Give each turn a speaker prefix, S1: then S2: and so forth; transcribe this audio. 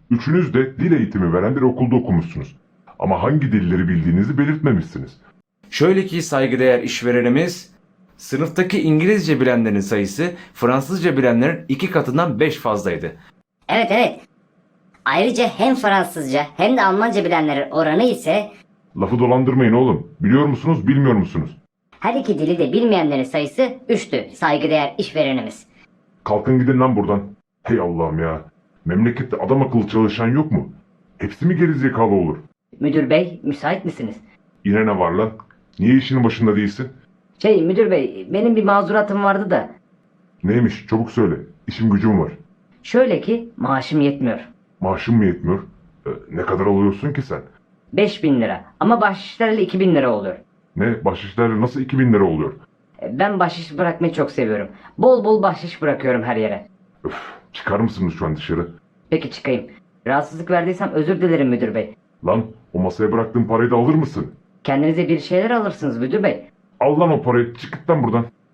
S1: Üçünüz de dil eğitimi veren bir okulda okumuşsunuz. Ama hangi dilleri bildiğinizi belirtmemişsiniz.
S2: Şöyle ki saygıdeğer işverenimiz, sınıftaki İngilizce bilenlerin sayısı Fransızca bilenlerin 2 katından 5 fazlaydı.
S3: Evet evet. Ayrıca hem Fransızca hem de Almanca bilenlerin oranı ise
S1: Lafı dolandırmayın oğlum. Biliyor musunuz, bilmiyor musunuz?
S3: her iki dili de bilmeyenlerin sayısı 3'tü saygıdeğer işverenimiz.
S1: Kalkın gidin lan buradan. Hey Allah'ım ya. Memlekette adam akıllı çalışan yok mu? Hepsi mi gerizekalı olur?
S3: Müdür bey müsait misiniz?
S1: Yine ne var lan? Niye işinin başında değilsin?
S3: Müdür bey benim bir mazuratım vardı da.
S1: Neymiş? Çabuk söyle. İşim gücüm var.
S3: Şöyle ki maaşım yetmiyor.
S1: Maaşın mı yetmiyor? Ne kadar alıyorsun ki sen?
S3: 5.000 lira ama bahşişlerle 2.000 lira oluyor.
S1: Ne? Bahşişlerle nasıl 2000 lira oluyor?
S3: Ben bahşiş bırakmayı çok seviyorum. Bol bol bahşiş bırakıyorum her yere.
S1: Öf, çıkar mısınız şu an dışarı?
S3: Peki çıkayım. Rahatsızlık verdiysem özür dilerim müdür bey.
S1: Lan o masaya bıraktığın parayı da alır mısın?
S3: Kendinize bir şeyler alırsınız müdür bey.
S1: Al lan o parayı. Çık git lan buradan.